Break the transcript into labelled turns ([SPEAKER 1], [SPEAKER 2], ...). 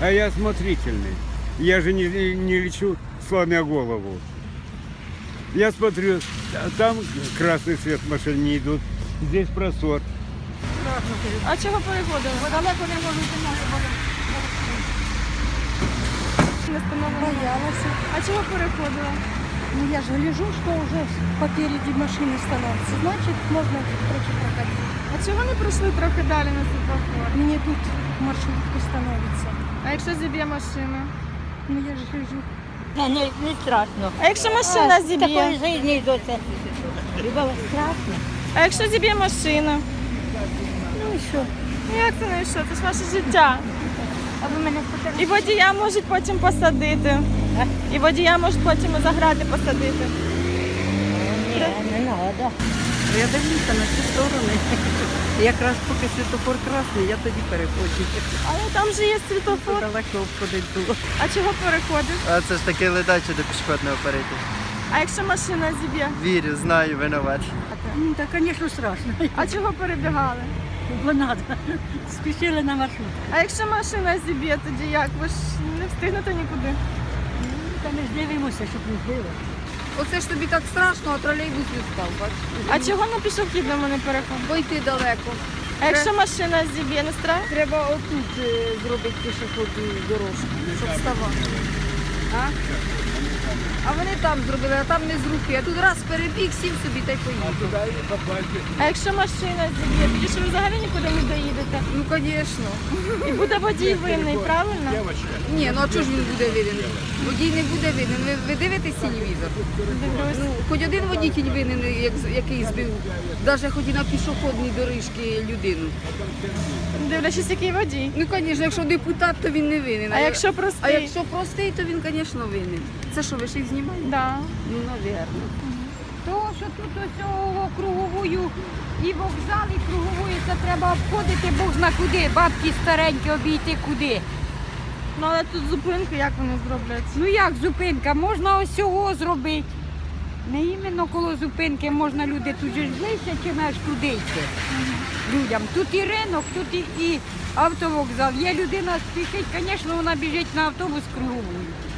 [SPEAKER 1] А я осмотрительный. Я же не лечу, сломя голову. Я смотрю, там красный свет машин не идут, здесь просор.
[SPEAKER 2] А чого переходили?
[SPEAKER 3] Далеко не можу йти,
[SPEAKER 2] Не встановлено.
[SPEAKER 3] боялася.
[SPEAKER 2] А чого переходила?
[SPEAKER 3] Ну я же гляжу, что уже попереди машины становится. Значит, можно короче проходить.
[SPEAKER 2] А чого не пройшли трохи далі на світлофор?
[SPEAKER 3] Мне тут маршрутка становится.
[SPEAKER 2] А якщо зіб'є машина?
[SPEAKER 3] Ну я же гляжу.
[SPEAKER 4] Не страшно.
[SPEAKER 2] А якщо машина
[SPEAKER 4] Такої
[SPEAKER 2] зіб'є?
[SPEAKER 4] житті йдеться. Хіба страшно?
[SPEAKER 2] А якщо зіб'є машина?
[SPEAKER 3] Ну и что?
[SPEAKER 2] Ну як це не що? Це ж ваше життя.
[SPEAKER 4] А ви мене
[SPEAKER 2] І водія можуть потім посадити. І водія можуть потім і за грати посадити.
[SPEAKER 4] Ні, не треба.
[SPEAKER 5] Я дивлюся на ці сторони. Якраз поки світофор красний, я тоді переходжу.
[SPEAKER 2] Але там же є світлофор.
[SPEAKER 5] Далеко обходить було.
[SPEAKER 2] А чого переходиш?
[SPEAKER 6] А це ж таки ледаче до пішохідного перейти.
[SPEAKER 2] А якщо машина зіб'є?
[SPEAKER 6] Вірю, знаю, винуват.
[SPEAKER 3] Ну, да, конечно, страшно.
[SPEAKER 2] А чого перебігали?
[SPEAKER 3] Бо надо. Спешили на маршрут.
[SPEAKER 2] А якщо машина зіб'є, тоді як? Ви ж не встигнете нікуди.
[SPEAKER 3] Та ми ж дивимося, щоб не збили.
[SPEAKER 7] Оце ж тобі так страшно, а тролейбус не став, бачиш?
[SPEAKER 2] А чого на пішохідному не переходить?
[SPEAKER 7] Бо йти далеко.
[SPEAKER 2] А якщо машина зіб'є, не страшно?
[SPEAKER 7] Треба отут зробити пішохідну дорожку, щоб вставати. А вони там зробили, а там не з руки. А тут раз перебіг, сів собі та й поїхав.
[SPEAKER 2] А якщо машина зіб'є, тоді ж ви взагалі нікуди не доїдете.
[SPEAKER 7] Ну, звісно.
[SPEAKER 2] І буде водій винний, правильно?
[SPEAKER 7] Ні, ну а чого ж він буде винен? Водій не буде винен. Ви дивитесь телевізор?
[SPEAKER 2] Дивлюсь.
[SPEAKER 7] Ну, хоч один водій винен, який збив, навіть хоч і на пішохідній доріжці людину.
[SPEAKER 2] Дивлячись, який водій.
[SPEAKER 7] Ну, звісно, якщо депутат, то він не винен.
[SPEAKER 2] А якщо
[SPEAKER 7] А
[SPEAKER 2] простий?
[SPEAKER 7] якщо простий, то він, звісно, винен. Це що, ви ще й знімаєте?
[SPEAKER 2] Да.
[SPEAKER 7] Ну, навірно.
[SPEAKER 3] Того, що тут ось круговою і вокзал, і круговою, це треба обходити Бог зна куди, бабки старенькі обійти куди.
[SPEAKER 2] Ну але тут зупинки, як вони зроблять?
[SPEAKER 3] Ну як зупинка, можна ось цього зробити. Не іменно коло зупинки можна люди тут же ж ближче, чим аж туди йти. Людям. Тут і ринок, тут і автовокзал. Є людина спішить, звісно, вона біжить на автобус круговою.